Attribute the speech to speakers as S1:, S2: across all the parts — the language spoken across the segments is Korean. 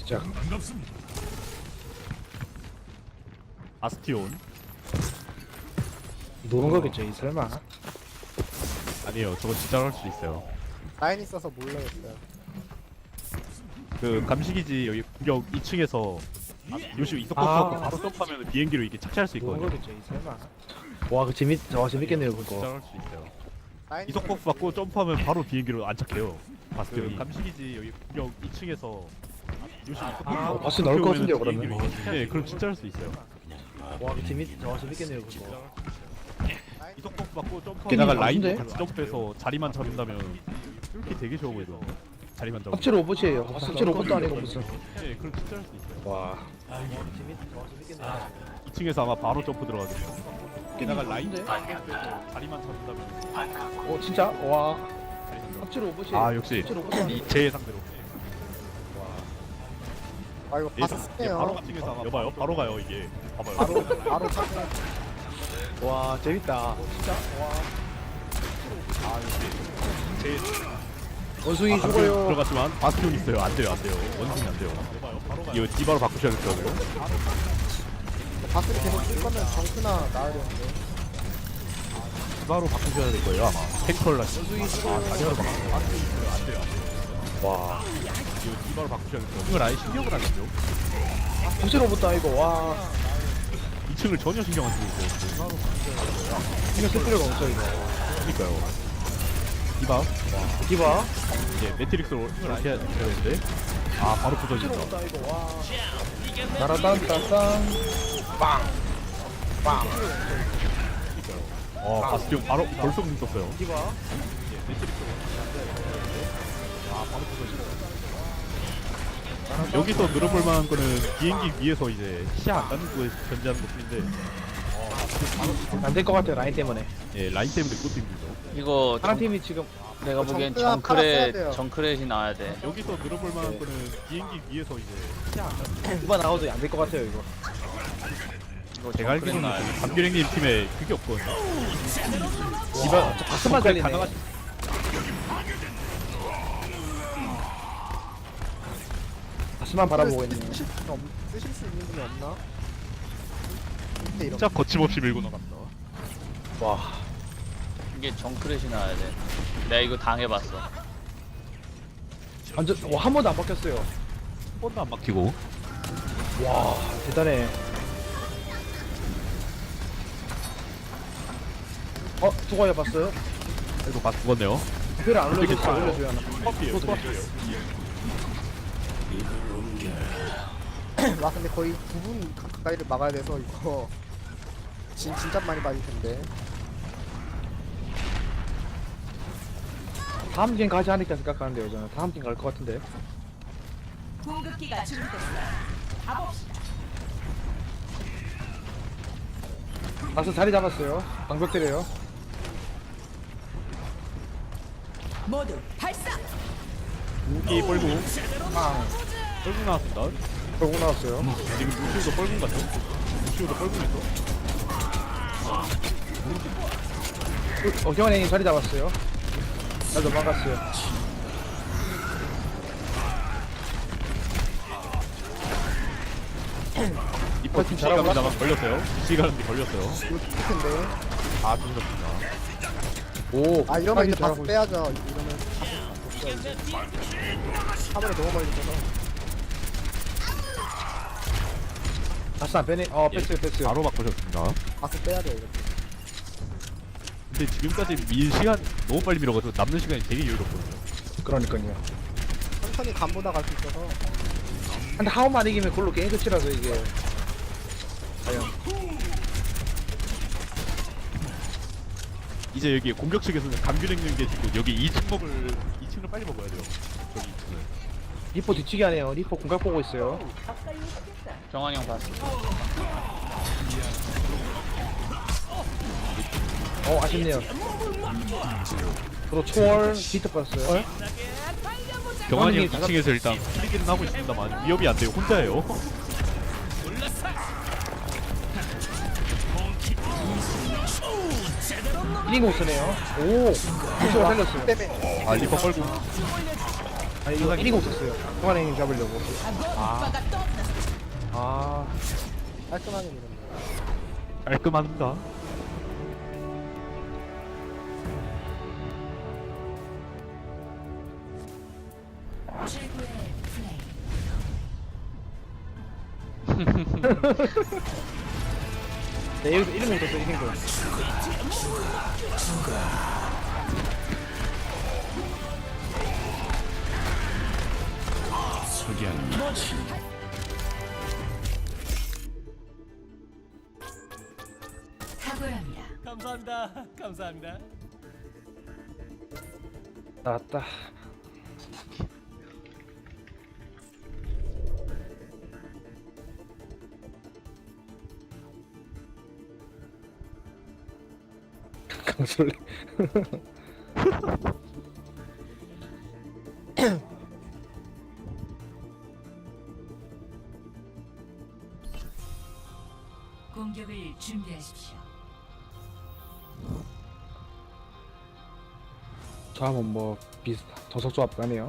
S1: 진짜.
S2: 아스티온.
S1: 노는 거겠죠, 이 설마.
S2: 아니에요, 저거 진짜 할 수 있어요.
S3: 라인 있어서 몰라였어요.
S2: 그 감시기지 여기 공격 2층에서 요시 이석
S1: 아.
S2: 버프 바로 점프하면 비행기로 이렇게 착지할 수
S1: 노는
S2: 있거든요.
S1: 거겠죠, 이 설마. 와, 그 재밌겠네요,
S2: 진짜
S1: 그거.
S2: 할 수 있어요.
S3: 라인
S2: 이석 버프 받고 점프하면 바로 비행기로 안착해요. 바스티온이.
S1: 그
S2: 감시기지 여기 공격 2층에서 요시 이석
S1: 아, 바스 나올 것 같은데요, 그러면.
S2: 네, 그럼 진짜 할 수 있어요.
S1: 와, 그 재밌겠네요, 그거.
S2: 이석 버프 받고 점프하면
S1: 게다가
S2: 라인도
S1: 라인인데?
S2: 같이 점프해서 자리만 잡는다면 이렇게 되게 좋아 보여요. 자리만 잡으면.
S1: 합체 로봇이에요. 합체 로봇도 아니고 무슨.
S2: 네, 그럼 진짜 할 수 있어요.
S1: 와. 재밌겠네요.
S2: 2층에서 아마 바로 점프 들어가겠죠. 게다가 라인도
S1: 근데?
S2: 자리만 잡는다면
S1: 진짜? 와.
S2: 자리만 잡.
S1: 합체 로봇이에요.
S2: 아 역시
S1: 합체 로봇도 아니고.
S2: 제 예상대로.
S3: 아 이거
S2: 예상
S3: 바스
S2: 예, 바로
S3: 세요.
S2: 같은 게서 아마 여봐요. 바로 가요 이게. 봐봐요.
S3: 바로 찾네.
S1: 와, 재밌다. 진짜? 와.
S2: 아 역시 제
S1: 원숭이
S2: 방금
S1: 죽어요.
S2: 들어갔지만 바스티온 있어요. 안 돼요, 안 돼요. 원숭이 안 돼요. 이거 디바로 바꾸셔야겠어요.
S3: 바스를 계속 쓸 거면 정크나 나와야 되는데.
S2: 디바로 바꾸셔야 될 거예요 아마. 탱컬라. 원숭이 죽어요. 다리로 바꾸세요. 바스티온 있어요. 안 돼요, 안 돼요.
S1: 와.
S2: 이거 디바로 바꾸셔야겠어요. 이걸 아예 신경을 안 쓰죠.
S1: 합체 로봇도 아니고, 와.
S2: 2층을 전혀 신경 안 쓰고 있어요.
S1: 신경 쓸 필요가 없죠, 이거.
S2: 그러니까요. 디바
S1: 디바.
S2: 이제 매트릭스로 이렇게 해야 되는데 아 바로
S1: 합체
S2: 부서진다.
S1: 로봇도 아니고, 와. 따라딴따딴. 빵. 빵.
S2: 바스티온 바로 벌써 공 썼어요.
S1: 디바.
S2: 이제 매트릭스로 아 바로 부서진다. 여기서 늘어볼 만한 거는 비행기 위에서 이제 시야 안 닿는 곳에 견제하는 것뿐인데
S1: 안 될 것 같아요, 라인 때문에.
S2: 예 라인 때문에 그것도 힘들죠.
S4: 이거
S1: 파란 팀이 지금
S4: 내가 보기엔
S3: 정크가 팔았어야 돼요.
S4: 정크렛이 나와야 돼.
S2: 여기서 늘어볼 만한
S1: 네.
S2: 거는 비행기 위에서 이제 시야 안 닿는
S1: 누가 나와도 안 될 것 같아요, 이거.
S4: 이거
S2: 제가
S4: 정크렛
S2: 알기로는
S4: 나와야 돼.
S2: 감귤행님 팀에 그게 없거든요.
S1: 디바, 박스만 잘리네. 박스만 바라보고 있네요.
S3: 쓰실 수 있는 분이 없나? 밑에 이런
S2: 진짜 거침없이 밀고 나간다.
S1: 와.
S4: 이게 정크렛이 나와야 돼. 내가 이거 당해봤어.
S1: 완전, 와, 한 번도 안 바뀌었어요.
S2: 한 번도 안 막히고.
S1: 와, 대단해. 누가 해봤어요?
S2: 이거 다 죽었네요.
S1: 특별히 안 올려줬어,
S2: 되게
S1: 올려줘야 하나.
S2: 커피예요.
S1: 또
S2: 커피예요.
S3: 와 근데 거의 9분 가까이를 막아야 돼서 이거 진짜 많이 빠질 텐데.
S1: 다음 게임 가지 않을까 생각하는데요, 저는. 다음 게임 갈 것 같은데.
S5: 공급기가 준비됐어요. 가봅시다.
S1: 가서 자리 잡았어요. 방벽 때려요.
S5: 모두 발사.
S2: 무기 뻘궁.
S1: 빵.
S2: 뻘궁 나왔습니다.
S1: 결국 나왔어요.
S2: 지금 루시우도 뻘궁 같죠? 루시우도 뻘궁했어.
S1: 경환이 자리 잡았어요. 잘 도망갔어요.
S2: 이퍼
S1: 팀
S2: 시간입니다만 걸렸어요. 시간이 걸렸어요.
S3: 이거 텐데.
S2: 아 죽었습니다.
S1: 오,
S3: 아 이러면
S1: 빨리
S3: 이제 바스
S1: 잘하고
S3: 빼야죠. 이러면 바스 없어야지. 화면에 너무 멀리 있어서.
S1: 다시 안 빼네. 뺐어요.
S2: 바로 바꾸셨습니다.
S3: 바스 빼야 돼요 이거.
S2: 근데 지금까지 밀 시간 너무 빨리 밀어가지고 남는 시간이 되게 여유롭거든요.
S1: 그러니까요.
S3: 천천히 간보다 갈 수 있어서.
S1: 근데 하우만 이기면 그걸로 게임 끝이라서 이게. 과연.
S2: 이제 여기 공격 측에서는 감귤행님 계시고 여기 2층 먹을 2층을 빨리 먹어야 돼요. 저기 2층을.
S1: 리포 뒤치기 하네요. 리포 공각 보고 있어요.
S4: 정환이 형 봤어.
S1: 아쉽네요. 저도 초월 비트 봤어요.
S2: 경환이 형
S1: 다섯-
S2: 2층에서 일단 플리기는 하고 있습니다만 위협이 안 돼요. 혼자예요.
S1: 1인공 쓰네요. 오, 초월 살렸어요.
S3: 때문에
S2: 아 리퍼 걸고
S1: 아니 이거 1인공 썼어요. 동안행님 잡으려고.
S5: 오빠가 떴다.
S1: 아
S3: 깔끔하게 밀었네.
S2: 깔끔한가?
S5: 최고의 플레이.
S1: 네, 여기서 1인공 썼어요. 1인공.
S5: 탁월합니다.
S6: 감사합니다. 감사합니다.
S1: 나왔다. 강솔래.
S5: 공격을 준비하십시오.
S1: 조합은 뭐 비슷한 저속 조합 아니에요?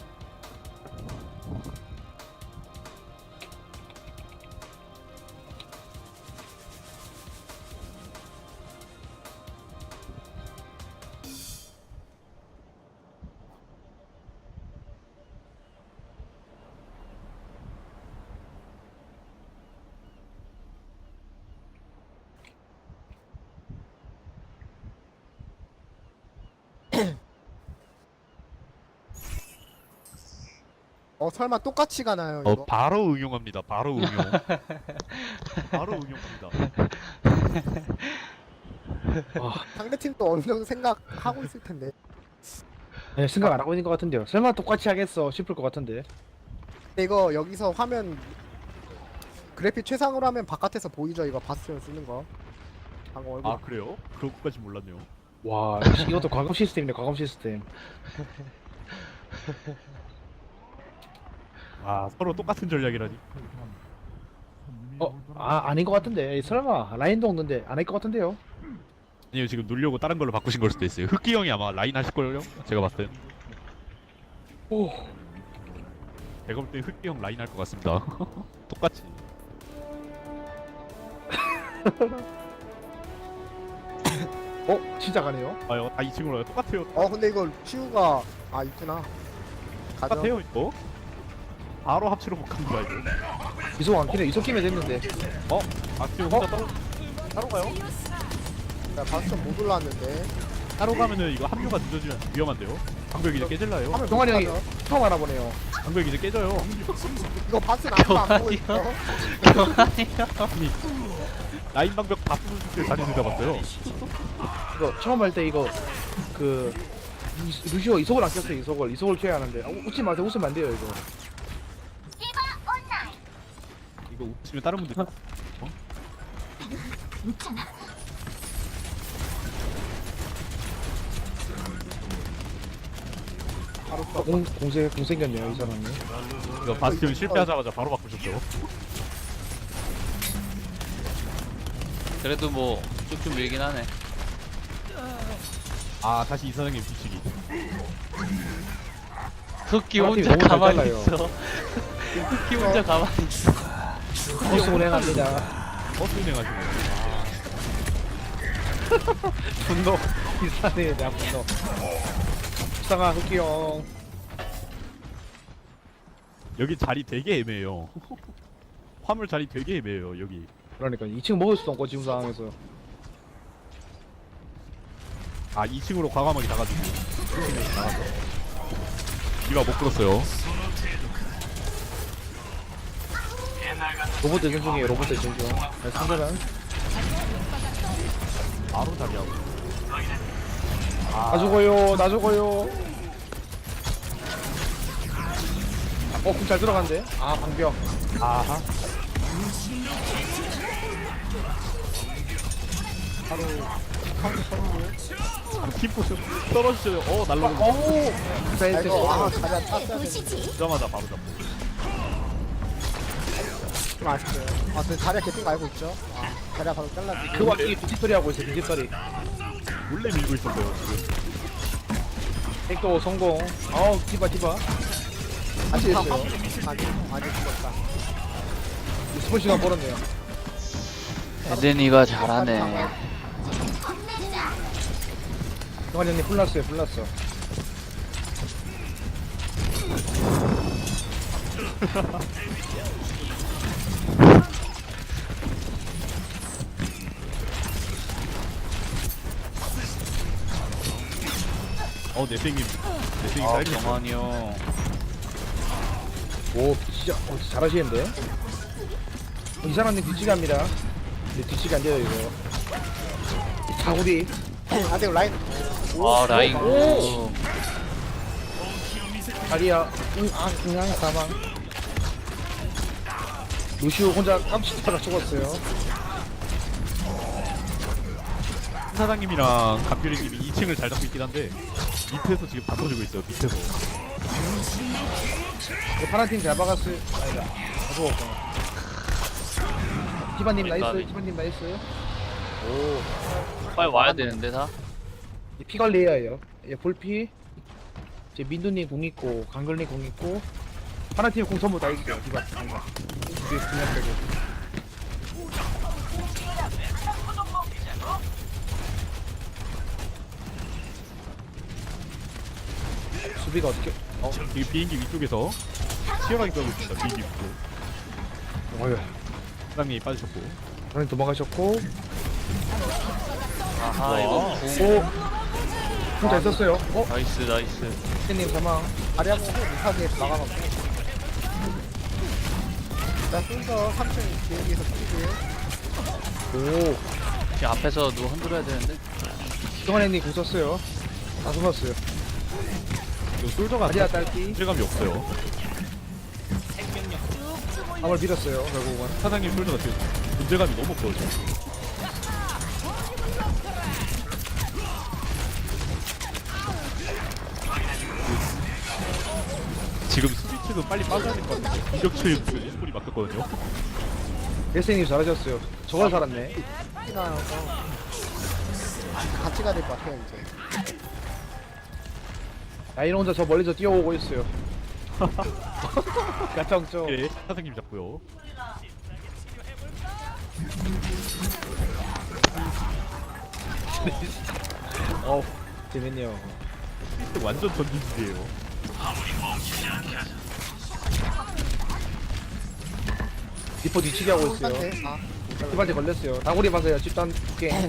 S3: 설마 똑같이 가나요 이거?
S2: 바로 응용합니다. 바로 응용. 바로 응용합니다.
S3: 상대팀도 어느 정도 생각하고 있을 텐데.
S1: 네, 생각 안 하고 있는 것 같은데요. 설마 똑같이 하겠어 싶을 것 같은데.
S3: 근데 이거 여기서 화면 그래픽 최상으로 하면 바깥에서 보이죠 이거 바스티온 쓰는 거. 방금 얼굴.
S2: 아 그래요? 그런 것까지 몰랐네요.
S1: 와 이것도 과금 시스템이네. 과금 시스템.
S2: 아 서로 똑같은 전략이라니.
S1: 아닌 것 같은데. 설마 라인도 없는데 안 할 것 같은데요.
S2: 아니요 지금 놀려고 다른 걸로 바꾸신 걸 수도 있어요. 흑기 형이 아마 라인 하실 걸요? 제가 봤을 땐.
S1: 오.
S2: 제가 볼 때 흑기 형 라인 할 것 같습니다. 똑같이.
S1: 진짜 가네요.
S2: 아요 다 2층으로 와요. 똑같아요.
S3: 근데 이거 치우가 있구나. 가죠.
S2: 똑같아요 이거. 바로 합치로 복합니다 이거.
S1: 이속 안 키네. 이속 키면 됐는데.
S2: 박지호 혼자 따로 가요?
S3: 나 바스티온 못 올라왔는데.
S2: 따로 가면은 이거 합류가 늦어지면 위험한데요. 방벽 이제 깨질라요.
S3: 화면
S1: 동환이 형이
S3: 가죠.
S1: 처음 알아보네요.
S2: 방벽 이제 깨져요.
S3: 이거 바스티온 아무도 안 보고 있어.
S2: 라인 방벽 다 부술 때 다시 들어봤어요.
S1: 이거 처음 할 때 이거 루시오 이속을 안 켰어요. 이속을 켜야 하는데. 웃지 마세요. 웃으면 안 돼요 이거.
S2: 이거 웃으면 다른 분들
S1: 공세 공생겼네요 이 사람이.
S2: 이거 바스티온 실패하자마자 바로 바꾸셨죠.
S4: 그래도 뭐 쭉쭉 밀긴 하네.
S2: 아 다시 이사장님 뒤치기.
S4: 흑기
S1: 아,
S4: 혼자
S1: 너무 잘
S4: 가만히
S1: 달라요.
S4: 있어. 흑기 혼자 가만히 있어.
S1: 버스 운행합니다.
S2: 버스 운행하시네.
S1: 분노 비싸네 나 분노. 불쌍한 흑기 형.
S2: 여기 자리 되게 애매해요. 화물 자리 되게 애매해요 여기.
S1: 그러니까 2층 먹을 수도 없고 지금 상황에서.
S2: 아 2층으로 과감하게 나가지고 2층으로 나가서 디바 못 끌었어요.
S1: 로봇 대전 중이에요. 로봇 대전 중. 상대는
S2: 바로 자리하고.
S1: 나 죽어요. 나 죽어요. 공 잘 들어간대. 방벽.
S2: 아하. 바로 팀포스 떨어지죠. 날라오고
S1: 오. 베이스.
S3: 이거 자리야 땄어야 되는데.
S2: 오자마자 바로 잡고.
S3: 좀 아쉽네요. 근데 자리야 개핀 거 알고 있죠? 자리야 바로 잘라주고.
S1: 그 와중에 빈집털이 하고 있어. 빈집털이.
S2: 몰래 밀고 있었어요 지금.
S1: 백도 성공. 디바.
S3: 아직 다
S1: 했어요.
S3: 아니 죽었다.
S1: 스폰 시간 벌었네요.
S4: 에덴이가 잘하네.
S1: 동환 형님 불났어요. 불났어.
S2: 내생님
S4: 아
S2: 사이즈
S4: 경환이 형.
S1: 오 진짜 잘하시는데. 이사람님 뒤치기 합니다. 근데 뒤치기 안 돼요 이거. 자구리.
S3: 아 근데 라인
S4: 아 라인.
S1: 오. 다리야. 응앙 사망. 루시오 혼자 깜찍하다 죽었어요.
S2: 사장님이랑 감귤이님이 2층을 잘 잡고 있긴 한데 밑에서 지금 다 터지고 있어요. 밑에서.
S1: 파란 팀 잘 박았어요. 아니다. 다 죽었구나. 티바님 나이스. 티바님 나이스. 오.
S4: 빨리 와야 되는데 다.
S1: 이제 피 관리해야 해요. 예, 볼피. 이제 민두님 공 있고, 강글님 공 있고, 파란 팀공 전부 다 있어요. 디바. 이게 그냥 빼고. 수비가 어떻게?
S2: 지금 비행기 위쪽에서 치열하게 싸우고 있습니다. 비행기 위쪽.
S1: 어휴.
S2: 사장님이 빠지셨고.
S1: 파란 도망가셨고,
S4: 아하 이거
S1: 오. 혼자 있었어요.
S4: 나이스 나이스.
S1: 님 사망.
S3: 다리하고 못하게 막아놓고. 나 순서 3층 비행기에서 뛰고요.
S1: 오.
S4: 지금 앞에서 누가 흔들어야 되는데.
S1: 동환님 공 썼어요. 다 숨었어요.
S2: 이거 솔저가
S1: 다리야 딸기.
S2: 실감이 없어요.
S1: 밤을 밀었어요. 결국은.
S2: 사장님 솔저가 지금 존재감이 너무 없어요. 지금 수비 측은 빨리 빠져야 될 것 같아요. 공격 측 지금 스포이 막혔거든요.
S1: 예스님 잘하셨어요. 저걸 살았네.
S3: 나서 같이 가야 될 것 같아요 이제.
S1: 야인 혼자 저 멀리서 뛰어오고 있어요. 가정죠.
S2: 예, 사장님 잡고요.
S1: 어우, 재밌네요.
S2: 완전 전진지예요.
S1: 리퍼 뒤치기 하고 있어요.
S3: 홀한테
S1: 리퍼한테 걸렸어요. 다구리 맞아요. 집단 게임.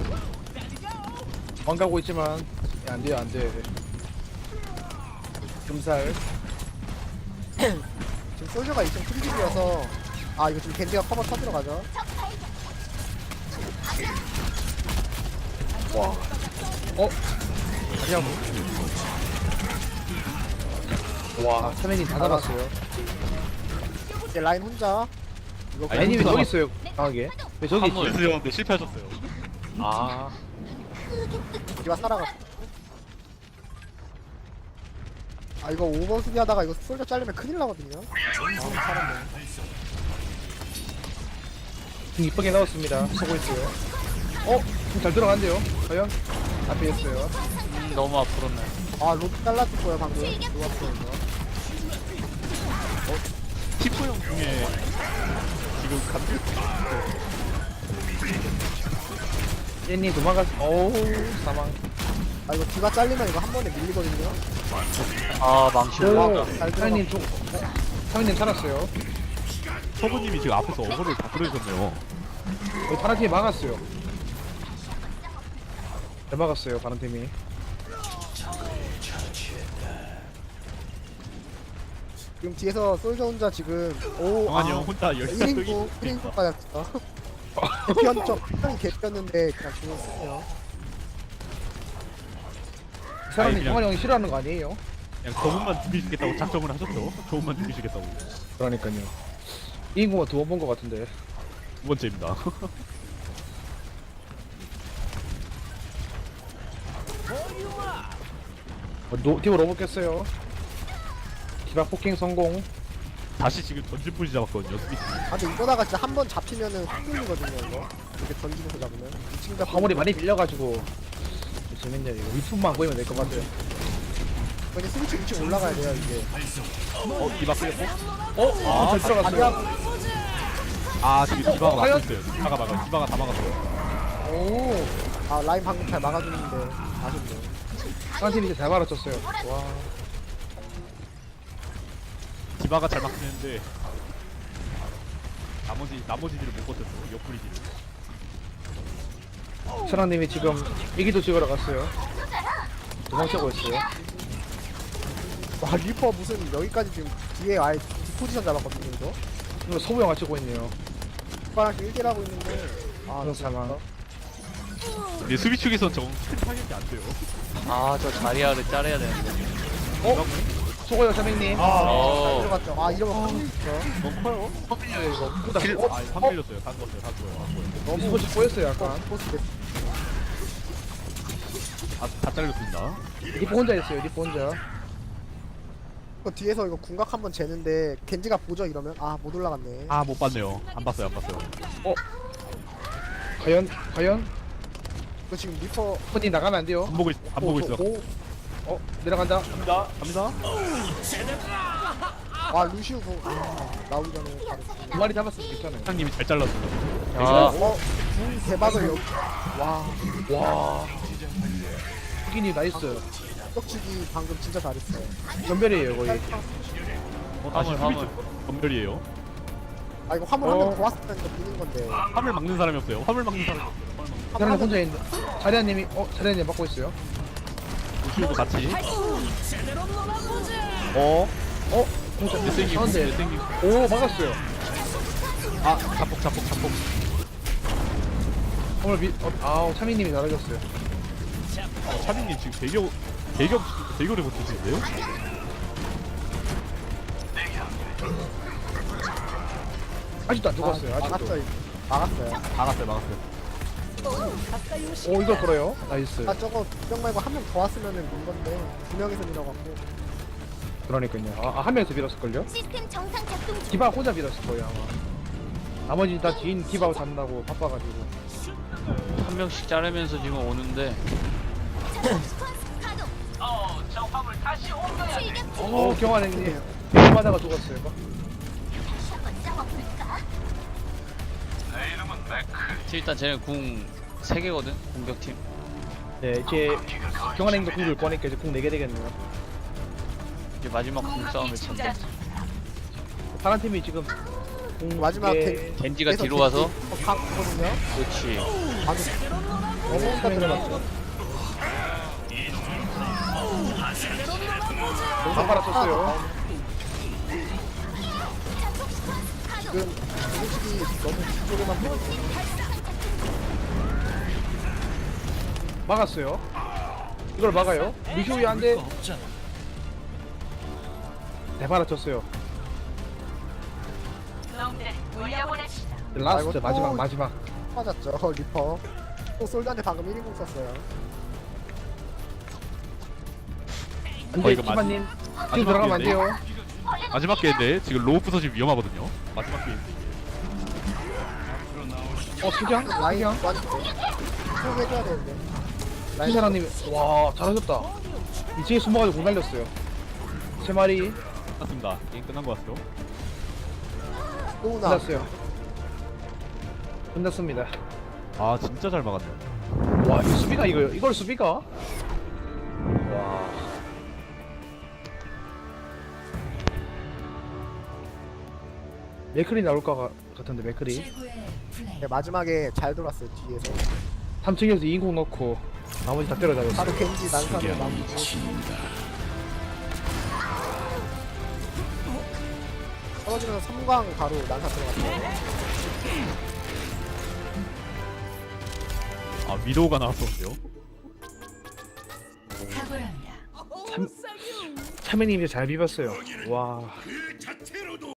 S1: 도망가고 있지만 야, 안 돼요, 안 돼. 금살.
S3: 지금 솔저가 2층 프리딜이어서 아 이거 지금 겐지가 커버 터지러 가죠.
S1: 그냥 와, 사면이 다 잡았어요.
S3: 이제 라인 혼자. 이거
S1: 아니 왜 저기 있어요? 강하게. 왜 저기 있어요?
S4: 화물.
S2: 연습했는데 실패하셨어요.
S1: 아,
S3: 기와 살아갔어. 아 이거 5번 수비 하다가 이거 솔저 잘리면 큰일 나거든요. 아 살았네.
S1: 좀 이쁘게 나왔습니다. 서고 있어요. 잘 들어간대요. 과연? 앞에 있어요.
S4: 너무 앞으로네.
S3: 아 로드 잘랐을 거예요 방금. 좋았어요 이거.
S2: 티포 형 중에 지금 감귤
S1: jen님 도망갔. 어우, 사망.
S3: 아 이거 뒤가 잘리면 이거 한 번에 밀리거든요.
S4: 아 망치
S1: 오,
S4: 올라가.
S1: 사장님 좀. 사장님 살았어요.
S2: 서부님이 지금 앞에서 어그를 다 끌어주셨네요.
S1: 여기 파란 팀이 막았어요. 잘 막았어요, 파란 팀이.
S3: 지금 뒤에서 솔저 혼자 지금 오
S2: 정한이 형 혼자 열심히
S3: 1인구 1인구 빠졌어. 개편적 형이 개편는데 그냥 죽었어요.
S1: 이 사람이
S2: 아니, 그냥-
S1: 정환이 형이 싫어하는 거 아니에요?
S2: 그냥 저분만 죽이시겠다고 작정을 하셨죠. 저분만 죽이시겠다고.
S1: 그러니까요. 이 인구가 2번 본 거 같은데.
S2: 두 번째입니다.
S1: 디버 로봇 깼어요. 디바 포킹 성공.
S2: 다시 지금 전진 뿌리 잡았거든요. 스미스.
S3: 아 근데 이러다가 진짜 한 번 잡히면은 확 밀리거든요 이거. 이렇게 던지면서 잡으면 2층 잡히면
S1: 화물이 많이 빌려가지고 재밌네요. 이거 위품만 보이면 될 것 같아요.
S3: 근데 스위치 위치 올라가야 돼요 이게.
S2: 디바 끌렸고.
S1: 잘 들어갔어요.
S3: 자리하고
S2: 지금 디바가
S1: 과연?
S2: 막고 있어요. 디바가 다 막았어요.
S1: 오,
S3: 아 라인 방금 잘 막아주는데 아쉽네.
S1: 파란팀이 이제 잘 말아쳤어요. 와,
S2: 디바가 잘 막긴 했는데 나머지들을 못 버텼어. 옆구리들을.
S1: 천왕님이 지금 애기도 찍으러 갔어요. 도망치고 있어요.
S3: 와 리퍼 무슨 여기까지 지금 뒤에 아예 디포지션 잡았거든요 이거.
S1: 이거 소부 영화 찍고 있네요.
S3: 오빠랑 1대1 하고 있는데 아
S1: 그런 상황.
S2: 근데 수비 측에선 정 큰 타격이 안 돼요.
S4: 아 저 자리아를 자르야 되는데.
S1: 수고요, 자맹님.
S4: 어.
S3: 들어갔죠. 아 이러면 컴퓨터
S2: 너무 커요.
S1: 커피요, 이거. 보다
S2: 킬,
S1: 어?
S2: 다 밀렸어요. 다 죽었어요. 다 죽어요. 안 보여요.
S1: 너무 스포츠 꼬였어요, 약간.
S3: 포스 됐
S2: 다 잘렸습니다.
S1: 리포 혼자 있어요, 리포 혼자.
S3: 이거 뒤에서 이거 궁각 한번 재는데 겐지가 보죠 이러면 아 못 올라갔네.
S2: 못 봤네요. 안 봤어요.
S1: 과연?
S3: 이거 지금 리퍼
S1: 혼이 나가면 안 돼요.
S2: 안 보고 있어.
S1: 내려간다.
S2: 갑니다.
S3: 아 루시우 궁 나오기 전에 바로.
S1: 두 마리 잡았으면 괜찮아요.
S2: 사장님이 잘 잘랐어요.
S4: 아
S3: 궁 대박을 여기
S1: 와. 흑인이 나이스.
S3: 떡치기 방금 진짜 잘했어요.
S1: 전멸이에요, 거의.
S2: 다시
S4: 화물.
S2: 수비 검별이에요.
S3: 아 이거 화물 한 명 더 왔으면 이거 비는 건데.
S2: 화물 막는 사람이 없어요. 화물 막는 사람이 없어요.
S1: 사람 혼자 있는데. 자리아님이, 자리아님 막고 있어요.
S2: 루시우도 같이.
S1: 혼자
S2: 몇
S1: 가운데.
S2: 생기.
S1: 오, 막았어요.
S2: 자폭.
S1: 오늘 차민님이 날아졌어요.
S2: 차빈님 지금 대결을 버티시는데요?
S1: 아직도 안 죽었어요, 아직도.
S3: 막았죠 이거. 막았어요.
S2: 막았어요.
S1: 오, 이걸 걸어요. 나이스.
S3: 아 저거 두명 말고 한 명 더 왔으면은 민 건데 두 명이서 밀어갖고.
S1: 그러니까요. 한 명에서 밀었을걸요?
S5: 시스템 정상 작동 중.
S1: 디바 혼자 밀었을 거예요, 아마. 나머지 다 뒤인 디바 잡는다고 바빠가지고.
S4: 한 명씩 자르면서 지금 오는데.
S1: 경환행님. 맞아가 죽었어요.
S4: 일단 쟤는 궁 3개거든 공격팀.
S1: 네, 이제 경환행도 궁을 꺼니까 이제 궁 4개 되겠네요.
S4: 이제 마지막 궁 싸움을 쳤네.
S1: 파란 팀이 지금 궁
S3: 마지막
S1: 개-
S4: 겐지가 뒤로 와서.
S3: 강거든요.
S4: 그렇지.
S3: 너무 들어갔죠.
S1: 다 빨아쳤어요.
S3: 지금 공식이 너무 뒤쪽에만 보고
S1: 막았어요. 이걸 막아요. 루시오이 한 대. 네, 빨아쳤어요. 라스트
S3: 아이고, 또-
S1: 마지막.
S3: 빠졌죠. 리퍼. 또 솔드한테 방금 1인공 썼어요.
S1: 안돼,
S2: 이거
S1: 티바님.
S2: 마지막
S1: 지금 들어가면 안 돼요.
S2: 마지막 게임인데 지금 로우 부서지면 위험하거든요. 마지막 게임.
S1: 수장?
S3: 라인
S1: 수장?
S3: 완 쭉 해줘야 되는데. 라인
S1: 신사랑님, 와, 잘하셨다. 2층에 숨어가지고 공 날렸어요. 3마리
S2: 끝났습니다. 게임 끝난 것 같죠?
S3: 또우나.
S1: 끝났어요. 끝났습니다.
S2: 진짜 잘 막았네.
S1: 와, 이 수비가 이걸 수비가? 와. 맥클이 나올 것 같은데, 맥클이.
S5: 최고의 플레이.
S3: 네, 마지막에 잘 돌았어요 뒤에서.
S1: 3층에서 2인공 넣고, 나머지 다 때려잡았어.
S3: 바로 겐지 난사로 마무리. 떨어지면서 섬광 바로 난사 들어갔어요.
S2: 위도우가 나왔었는데요.
S5: 탁월합니다.
S1: 참외님이 잘 비볐어요. 와.